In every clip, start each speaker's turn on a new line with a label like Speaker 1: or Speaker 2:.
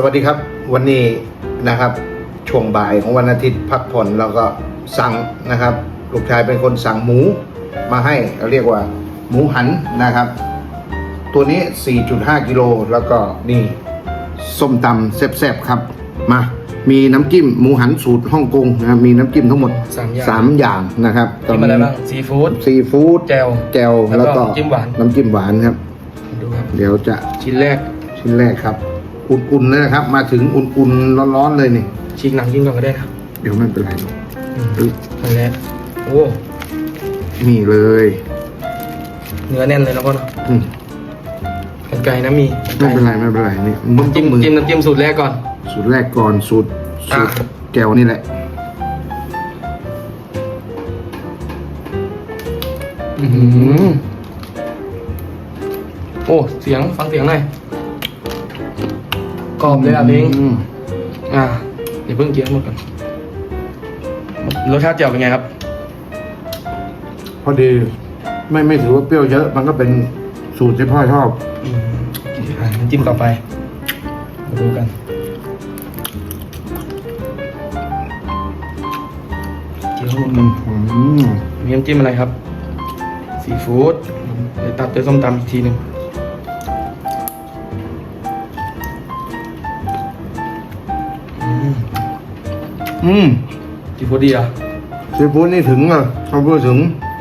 Speaker 1: สวัสดีครับวันนี้นะครับช่วงบ่ายของวันอาทิตย์พักผ่อนเราก็สั่งนะครับลูกชายเป็นคนสั่งหมูมาให้เราเรียกว่าหมูหันนะครับตัวนี้ 4.5 กิโลแล้วก็นี่ส้มตำแซ่บๆครับมามีน้ำจิ้มหมูหันสูตรฮ่องกงนะครับมีน้ำจิ้มทั้งหมด3 อย่างนะครับ
Speaker 2: จิ้มอะไรบ้างซีฟู้ด
Speaker 1: แจ่วแล้วก็น้ำจิ้มหวานครับ
Speaker 2: ดูครับ
Speaker 1: เดี๋ยวจะชิ้นแรกครับอุ่นๆเลยนะครับมาถึงอุ่นๆร้อนๆเลยนี่
Speaker 2: ฉีกหนังกินก่อนก็ได้ครับ
Speaker 1: เดี๋ยวไม่เป็นไรหรอก
Speaker 2: นั่นแหละโอ้
Speaker 1: นี่เลย
Speaker 2: เนื้อแน่นเลยนะพ่อเนาะกันไก่นะมี
Speaker 1: ไม่เป็นไรนี่
Speaker 2: น้ำจิ้มสูตรแรกก่อน
Speaker 1: สูตรแก้วนี่แหละ
Speaker 2: โอ้ฟังเสียงหน่อยกรอบเลยอ่ะพิงเดี๋ยวเพิ่งเคี้ยวหมดก่อนรสชาติแจ่วเป็นไงครับ
Speaker 1: พอดีไม่ถือว่าเปรี้ยวเยอะมันก็เป็นสูตรที่พ่อชอบ
Speaker 2: น้ำจิ้มต่อไปมาดูกันเคี้ยวหมดกันมีน้ำจิ้มอะไรครับซีฟู้ดเดี๋ยวตัดด้วยส้มตำอีกทีหนึ่งซีฟู้ดดีอ่ะ
Speaker 1: ซีฟู้ดนี่ถึงอ่ะเขาพูดถึง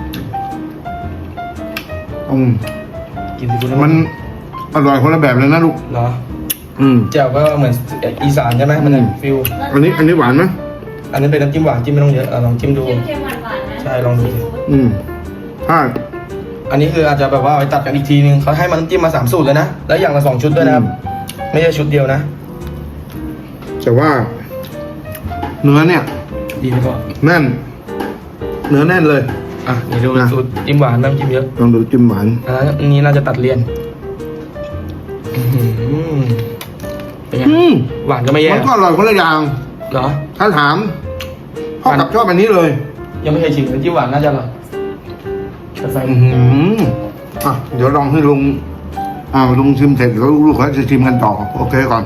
Speaker 2: กินซีฟู้ด
Speaker 1: มันอร่อยคนละแบบเลยนะลูก
Speaker 2: เหรอแจ่วก็เหมือนอีสานใช่ไหมมันฟิล
Speaker 1: อันนี้หวานไหม
Speaker 2: อันนี้เป็นน้ำจิ้มหวานจิ้มไม่ต้องเยอะลองจิ้มดูใช่ลองดู
Speaker 1: ถ้า
Speaker 2: อันนี้คืออาจจะแบบว่าไปตัดกันอีกทีนึงเขาให้มันน้ำจิ้มมา3 สูตรเลยนะแล้วอย่างละ2 ชุดด้วยนะครับไม่ใช่ชุดเดียวนะ
Speaker 1: แต่ว่าเนื้อเนี่ย
Speaker 2: ดีไหมพ่อ
Speaker 1: แน่นเนื้อแน่นเลย
Speaker 2: เดี๋ยวดูสูตรจิ้มหวานน้ำจิ้มเยอะ
Speaker 1: ลองดูจิ้มหวาน
Speaker 2: อันนี้น่าจะตัดเลี่ยนเป็นไงหวานก็ไม่แย่
Speaker 1: มันก็อร่อยคนละอย่าง
Speaker 2: เหรอ
Speaker 1: ถ้าถามพ่อกับชอบอันนี้เลย
Speaker 2: ยังไม่เคยชิมจิ้มหวานน่าจะอร่อยใส่
Speaker 1: เดี๋ยวลองให้ลุงชิมเสร็จแล้วลูกเขาจะชิมกันต่อโอเคก่อน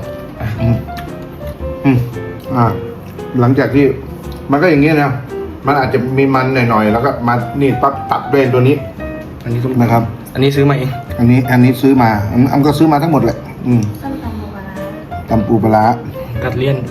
Speaker 1: หลังจากที่มันก็อย่างนี้นะมันอาจจะมีมันหน่อยๆแล้วก็มานี่ปั๊บตัดด้วยตัวนี้
Speaker 2: อันนี้
Speaker 1: นะครับ
Speaker 2: อันนี้ซื้อมาเอง
Speaker 1: อันนี้ซื้อมาอันก็ซื้อมาทั้งหมดแหละตำปูปลา
Speaker 2: กัดเลี่ยน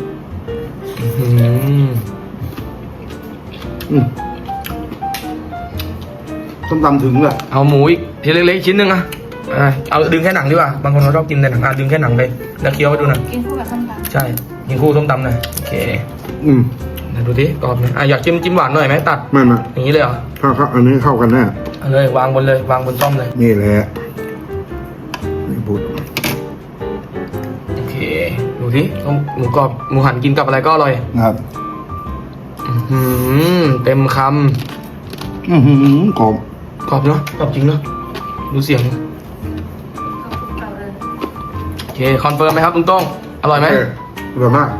Speaker 1: ส้มตำถึงเลย
Speaker 2: เอาหมูอีกทีเล็กๆชิ้นหนึ่งเอาดึงแค่หนังดีกว่าบางคนเขาชอบกินแต่หนังดึงแค่หนังไปแล้วเคี้ยวไปดูหน่อย
Speaker 3: กินคู่กับส้มตำ
Speaker 2: ใช่กินคู่ส้มตำหน่อยโอเคดูดิกรอบไหมอยากจิ้มหวานหน่อยไหมตัด
Speaker 1: ไม่
Speaker 2: อย่างนี้เลยเหรอ
Speaker 1: ครับอันนี้เข้ากันแน่
Speaker 2: เลยวางบนซ่อมเลย
Speaker 1: นี่แหละนี่บุตร
Speaker 2: โอเคดูดิหมูกรอบหมูหันกินกับอะไรก็อร่อย
Speaker 1: ครับ
Speaker 2: เต็มค
Speaker 1: ำกร
Speaker 2: อบเนาะกรอบจริงเนาะดูเสียงโอเคคอนเฟิร์มไหมครับลุงต้องอร่อยไหม
Speaker 1: อร่อยมาก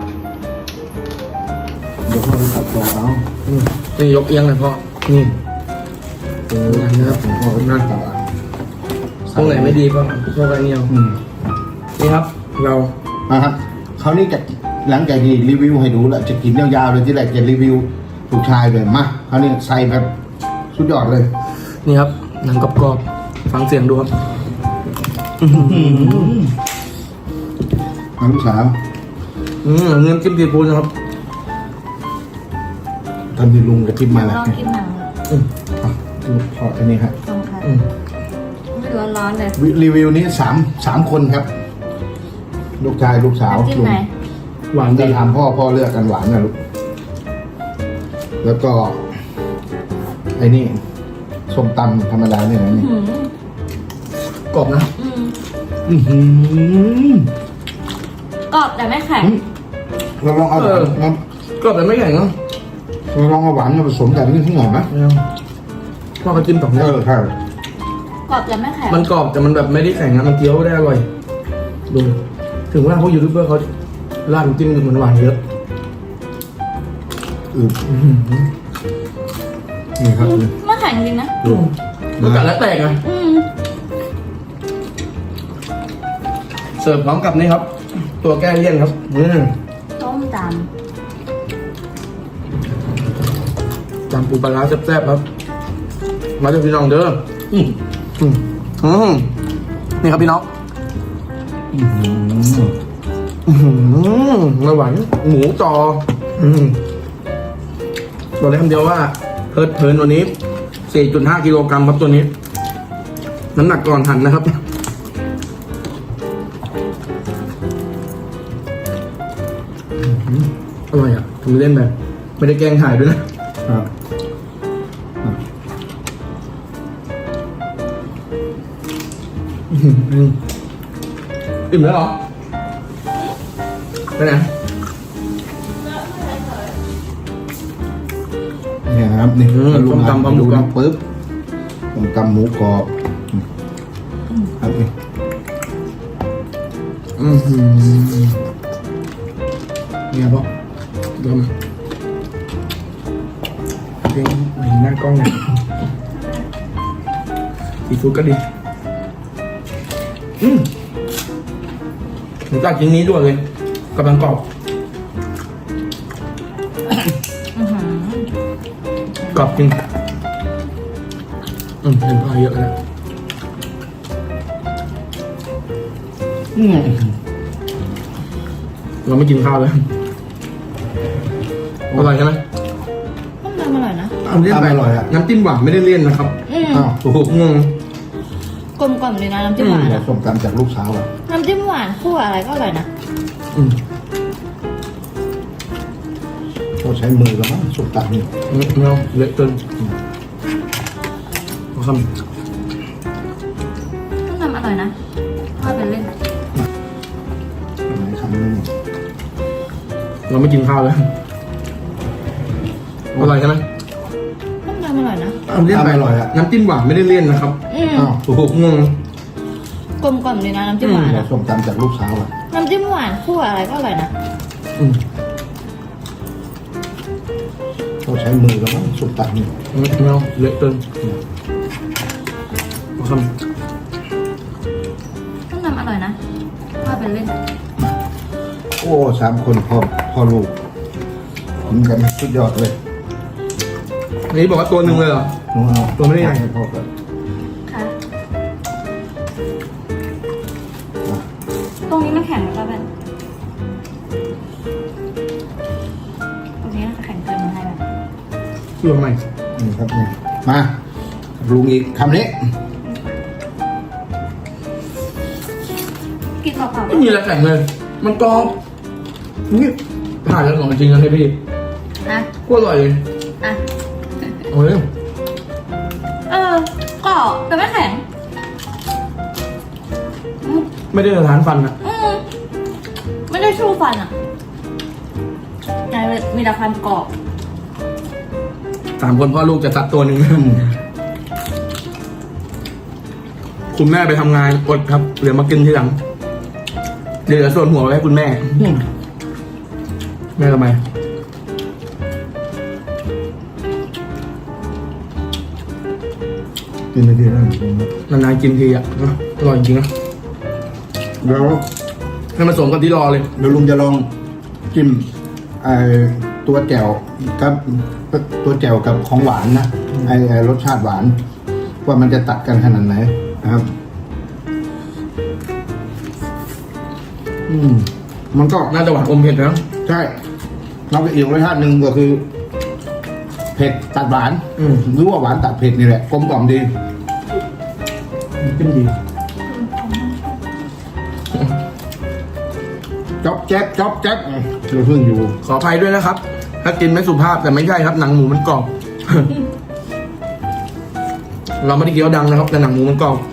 Speaker 1: เดี๋ยวพ่อจะตัดตัวเอา
Speaker 2: นี่ยกเอียงเลยพ่อนี่
Speaker 1: นะครับผมพ่อหน้าตา
Speaker 2: ตรงไหนไม่ดีพ่อไปเงี้ยนี่ครับเรา
Speaker 1: ครับเขานี่จะหลังจากที่รีวิวให้ดูแล้วจะกินยาวๆเลยที่แรกจะรีวิวลูกชายเลยมาเขานี่ใส่แบบสุดยอดเลย
Speaker 2: นี่ครับหนังกรอบๆฟังเสียงดูครับ
Speaker 1: ลูกสาว
Speaker 2: เงินจิ้มซีฟู้ดนะครับ
Speaker 1: ตอนที่ลุงจะจิ้มมาแล้ว
Speaker 3: ลองกินหนัง
Speaker 1: พออันนี้ครับ
Speaker 3: ไม่ร้อนเลย
Speaker 1: รีวิวนี้สามคนครับลูกชายลูกสาว
Speaker 3: ลุง
Speaker 1: หวานจะถามพ่อเลือกกันหวานนะลูกแล้วก็ไอ้นี่ส้มตำธรรมดาเนี่ยนะนี่
Speaker 2: กรอบนะ
Speaker 3: กรอบแต่ไม่แข็ง
Speaker 1: เราลองเอา
Speaker 2: กรอบแต่ไม่แข็งเนาะ
Speaker 1: เราลองเอาหวานมาผสมกันนิดหน่อยไหม
Speaker 2: พ่อมาจิ้มต่อ
Speaker 1: ใช่
Speaker 3: กรอบแต่ไม่แข็ง
Speaker 2: มันกรอบแต่มันแบบไม่ได้แข็งนะมันเคี้ยวได้อร่อยดูถึงว่าพวกยูทูบเบอร์เขาราดจิ้มเหมือนหวานเยอะ
Speaker 1: นี่ครับ
Speaker 3: ไม่แข็งจริงนะ
Speaker 2: มันกัดแล้วแตกเสิร์ฟพร้อมกับนี่ครับตัวแก้เลี่ยนครับ
Speaker 3: ต้มต
Speaker 2: จำปูปลาร้าแซ่บๆครับ มาจากพี่น้องเด้อนี่ครับพี่น้องไม่ไหวหมูจอบอกได้คำเดียวว่าเพิร์ดเพลินตัวนี้ 4.5 กิโลกรัมครับตัวนี้ น้ำหนักก่อนหั่นนะครับอร่อยอ่ะทำเล่นแบบไม่ได้แกล้งถ่ายด้วยนะครับอิ่มแล้วเหรอไปไหน
Speaker 1: เนี่ยครับนี่
Speaker 2: ต้มตำปลาหมูกรอบ
Speaker 1: ปึ๊บต้มตำหมูกรอบครับนี่
Speaker 2: เนี่ยพ่อเดี๋ยวมาเห็นหน้ากล้องเนี่ยซีฟู้ดก็ดีผมตัดชิ้นนี้ด้วยเลยกำลังกรอบกรอบจริงเห็นพอเยอะแล้วเราไม่กินข้าวเลยอร่อยใช่ไหม
Speaker 3: ต้มตำอร่อยนะ
Speaker 2: น้ำจิ้มอร่อยอ่ะน้ำจิ้มหวานไม่ได้เลี่ยนนะครับ
Speaker 1: อ้าว
Speaker 2: โอ้โหงง
Speaker 3: กลมกล่อมเลยนะน้ำจิ้มหวาน
Speaker 1: เดี๋ยว
Speaker 3: อะ
Speaker 1: ส้มตำจากลูกสาวอ่ะ
Speaker 3: น้ำจิ้มหวานคู่อะไรก็อร่อยนะ
Speaker 1: ก็ใช้มือแล้วมั้งส้มตำนี่
Speaker 2: ไม่เอาเละจนเอาคำ
Speaker 3: ต้มตำอร่อยนะทอดเป็นเล่น
Speaker 1: คำนึง
Speaker 2: เราไม่กินข้าวเลยอร่อยใช่ไหม
Speaker 3: ต้มตำอร่อยนะ
Speaker 2: น้ำจิ้มอร่อยอ่ะน้ำจิ้มหวานไม่ได้เลี่ยนนะครับ
Speaker 1: อ้าว
Speaker 2: โอ้โหงง
Speaker 3: กลมกล่อมเลยนะน้ำจิ้มหวาน
Speaker 1: เดี๋ยว
Speaker 3: อะ
Speaker 1: ส้มตำจากลูกสาวอ่ะ
Speaker 3: น้ำจิ้มหวานคู่อะไรก็อร่อยนะ
Speaker 1: ก็ใช้มือแล้วมั้งส้มตำนี่
Speaker 2: ไม่เอาเละจนเอาคำ
Speaker 3: ต้มตำอร่อยนะทอดเป็นเล่น
Speaker 1: โอ้3 คนพ่อลูกกินกันสุดยอดเลย
Speaker 2: อันนี้บอกว่าตัวหนึ่งเลยเหรอ
Speaker 1: หนูเอา
Speaker 2: ตัวไม่ได้ใหญ่
Speaker 1: ให้พ่อก่อน
Speaker 3: ค่ะตรงนี้มันแข็งหรือเปล่าแบบตรงนี้มันแข็งเกินมาให้แบบ
Speaker 2: เชื่อไหม
Speaker 1: นี่ครับนี่มาลุงอีกคำนี้
Speaker 3: กินเปล่าๆ
Speaker 2: ไม่มีอะไรแข็งเลย มันกรอบนี่ผ่านแล้วของจริงนะพี่
Speaker 3: นะ
Speaker 2: ก็อร่อยเลย
Speaker 3: อ่ะ
Speaker 2: โอ้ย
Speaker 3: กรอบแต่ไม่แข็ง
Speaker 2: ไม่ได้สถานฟันอ่ะ
Speaker 3: ไม่ได้ชูฟันอ่ะมีแต่ความกรอบ
Speaker 2: 3 คนพ่อลูกจะตัดตัวหนึ่งคุณแม่ไปทำงานอดครับเหลือมากินทีหลังเหลือส่วนหัวไว้ให้คุณแม่ แม่ทำไม
Speaker 1: กินไปทีแล้ว
Speaker 2: นานๆกินทีอ่ะอร่อยจริงนะ
Speaker 1: เดี๋ยว
Speaker 2: ให้มาสมกันที่รอเลย
Speaker 1: ลุงจะลองจิ้มตัวแจ่วกับตัวแจ่วกับของหวานนะไอ้รสชาติหวาน ว่ามันจะตัดกันขนาดไหนนะครับ มันก็
Speaker 2: น่าจะหวานอมเผ็ดนะ
Speaker 1: ใช่เราก็อีกรสชาติหนึ่งก็คือ เผ็ดตัดหวานหรือว่าหวานตัดเผ็ดนี่แหละกลมกล่อมดี
Speaker 2: จิ้มดี
Speaker 1: จ๊อบแจ๊บจ๊อบแจ๊บเราเพิ่งอยู่
Speaker 2: ขออภัยด้วยนะครับ ถ้ากินไม่สุภาพแต่ไม่ใช่ครับ หนังหมูมันกรอบ เราไม่ได้เคี้ยวดังนะครับ แต่หนังหมูมันกรอบ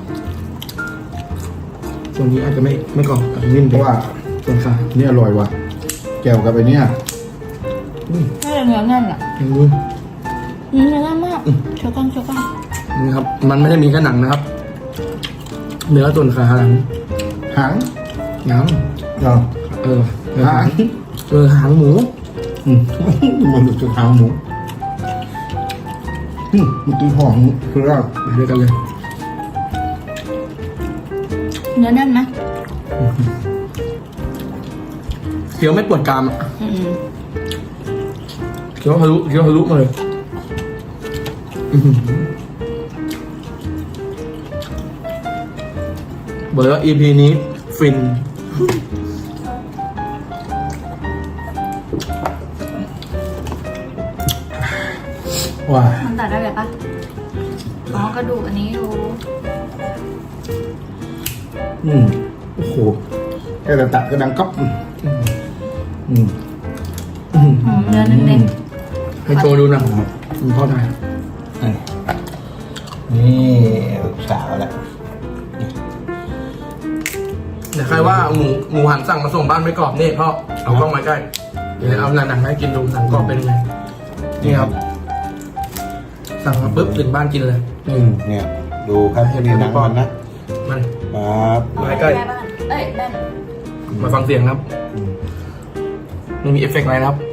Speaker 2: ส่วนนี้อาจจะไม่กรอบอาจจะนิ่ม
Speaker 1: เพ
Speaker 2: ไป
Speaker 1: ราะว่า
Speaker 2: ส่วนขา
Speaker 1: นี่อร่อยว่ะแจ่วกับไอ้เนี่ย
Speaker 3: น่าจะเนื้อแน่นอ่ะ
Speaker 2: ลองดู
Speaker 3: เนื้อแน่นมากเชียวกัน
Speaker 2: นี่ครับ มันไม่ได้มีแค่หนังนะครับ เนื้อส่วนขาหลัง
Speaker 1: หาง
Speaker 2: หนัง
Speaker 1: เหรอ หาง
Speaker 2: หางหมู
Speaker 1: มันจะหางหมูมันตีหอมคือว่า
Speaker 2: ไปด้วยกันเลย
Speaker 3: เนื้อแน่นไหม
Speaker 2: เคี้ยวไม่ปวดกรามอะ
Speaker 3: อืม
Speaker 2: เคี้ยวทะลุมาเลยอื้อหือบอกเลยว่า EP นี้ฟินว้า
Speaker 3: มันตัดได้แบบปะอ๋อกระดูกอันนี้รู้
Speaker 1: โอ้โหแค่แต่ตัดก็ดังก๊อบอืม
Speaker 3: เนื้อเน้น
Speaker 2: ให้โชว์ดูหนะคุณพ่อได้
Speaker 1: นี่ลูกสาวแหละ
Speaker 2: เดี๋ยวใครว่าหมูหันสั่งมาส่งบ้านไม่กรอบนี่พ่อเอากล้องมาใกล้เดี๋ยวเอาหนังให้กินดูหนังกรอบเป็นยังไงนี่ครับ สั่งมาปุ๊บถึงบ้านกินเลย
Speaker 1: เนี่ยดูครับนี่หนังมันนะ
Speaker 2: มัน
Speaker 1: ครับ
Speaker 3: ๆ
Speaker 2: มาใกล้
Speaker 3: แม่บ้านเอ้ยแม่
Speaker 2: มาฟังเสียงครับไม่มีเอฟเฟกต์อะไรนะครับ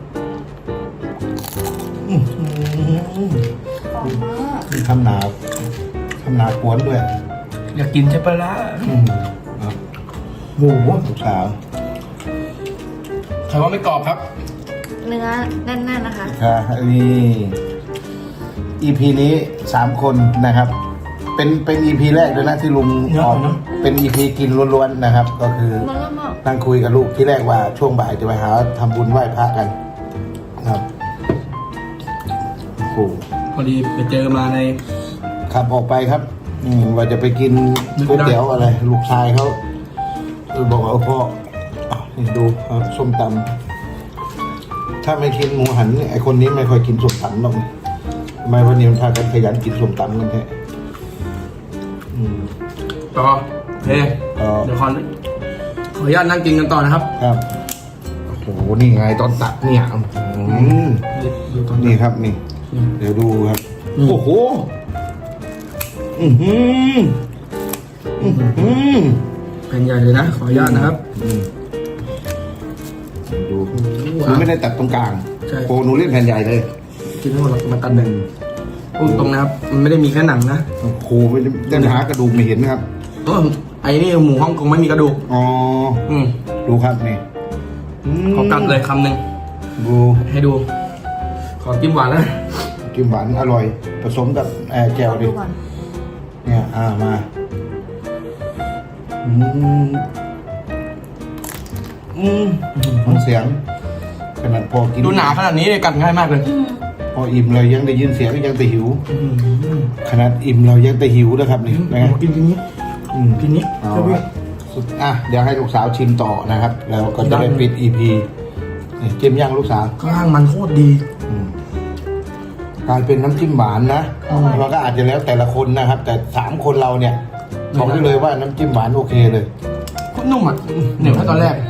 Speaker 3: หอมมาก
Speaker 1: มีทำนากวนด้วย
Speaker 2: อยากกินใช่ปะล่ะ
Speaker 1: ครับ
Speaker 2: โอ้โห
Speaker 1: ลูกสาว
Speaker 2: ใครว่าไม่กรอบครับ
Speaker 3: เนื้อแน่นๆนะคะ
Speaker 1: ค่ะนี่ EP นี้3 คนนะครับ เป็น EP แรกด้วยนะที่ลุง
Speaker 2: เยอะ
Speaker 1: ออก
Speaker 2: นะ
Speaker 1: เป็น EP กินล้วนๆนะครับ ก็คือ
Speaker 3: มันก็มาก
Speaker 1: นั่งคุยกับลูกที่แรกว่าช่วงบ่ายจะไปหาทำบุญไหว้พระกันครับโอ้โห
Speaker 2: พอดีไปเจอมาใน
Speaker 1: ขับออกไปครับว่าจะไปกินก๋วยเตี๋ยวอะไร ลูกชายเขาบอกว่าพ่อนี่ดูครับส้มตำถ้าไม่กินหมูหันนี่ไอคนนี้ไม่ค่อยกินส้มตำหรอกทำไมวันนี้มันพากันขยันกินส้มตำกันแท้
Speaker 2: ต่อโอเค
Speaker 1: ต่อ
Speaker 2: เดี๋ยวขออนุญาตนั่งกินกันต่อนะครับ
Speaker 1: ครับโอ้โหนี่ไงตอนตัดเนี่ย
Speaker 2: ดูตอน
Speaker 1: นี่ครับนี่ เดี๋ยวดูครับ โอ้โหอือหืออือหือ
Speaker 2: แผ่นใหญ่เลยนะ ขออนุญาตนะครับ
Speaker 1: ดูหนูไม่ได้ตัดตรงกลาง
Speaker 2: ใช่
Speaker 1: โอ้หนูเล่นแผ่นใหญ่เลย
Speaker 2: กินทั้งหมดเรามาตัดแบ่งพูดตรงนะครับ มันไม่ได้มีแค่หนังนะ
Speaker 1: โอ้โหไม่ได้หากระดูกไม่เห็นนะครับ
Speaker 2: ไอ้นี่หมูฮ่องกงไม่มีกระดูก
Speaker 1: อ๋อ
Speaker 2: อืม
Speaker 1: ดูครับนี่
Speaker 2: ขอกัดเลยคำหนึ่ง
Speaker 1: ดู
Speaker 2: ให้ดู ขอจิ้มหวานนะ
Speaker 1: จิ้มหวานอร่อย ผสมกับแจ่วดิ
Speaker 3: ดูก่อน
Speaker 1: เนี่ยมาฟังเสียงขนาดพอกิน
Speaker 2: ดูหนาขนาดนี้เลยกัดง่ายมากเลย
Speaker 1: พออิ่มเรายังได้ยินเสียงยังแต่หิว ขนาดอิ่มเรายังแต่หิวนะครับนี่นะ
Speaker 2: กินทีนี้ ทีนี้
Speaker 1: เอาละสุดเดี๋ยวให้ลูกสาวชิมต่อนะครับ แล้วก็จะได้ปิด EP นี่จิ้มย่างลูกสาว
Speaker 2: ข้างล่างมันโคตรดี
Speaker 1: กลายเป็นน้ำจิ้มหวานนะเราก็อาจจะแล้วแต่ละคนนะครับ แต่3 คนเราเนี่ยบอกได้เลยว่าน้ำจิ้มหวานโอเคเลย
Speaker 2: โคตรนุ่มอ่ะเหนียวแค่ตอนแรก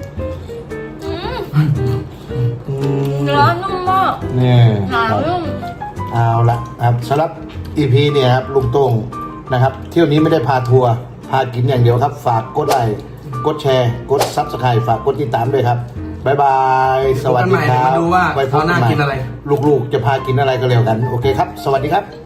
Speaker 3: เนื้อนุ่มมาก
Speaker 1: เนี่ย
Speaker 3: หนา
Speaker 1: ครับ
Speaker 3: นุ่ม
Speaker 1: เอาละครับสำหรับ EP เนี่ยครับลุงโต้งนะครับ เที่ยวนี้ไม่ได้พาทัวร์พากินอย่างเดียวครับ ฝากกดไลค์กดแชร์ กด Subscribe ฝากกดติดตามด้วยครับบ๊ายบายสวัสดีครับ
Speaker 2: พบกันใหม่เดี๋ยวมาดูว่า
Speaker 1: ไว้พบ
Speaker 2: คราวหน้ากินอะไร
Speaker 1: ลูกๆจะพากินอะไรก็แล้วกัน โอเคครับ สวัสดีครับ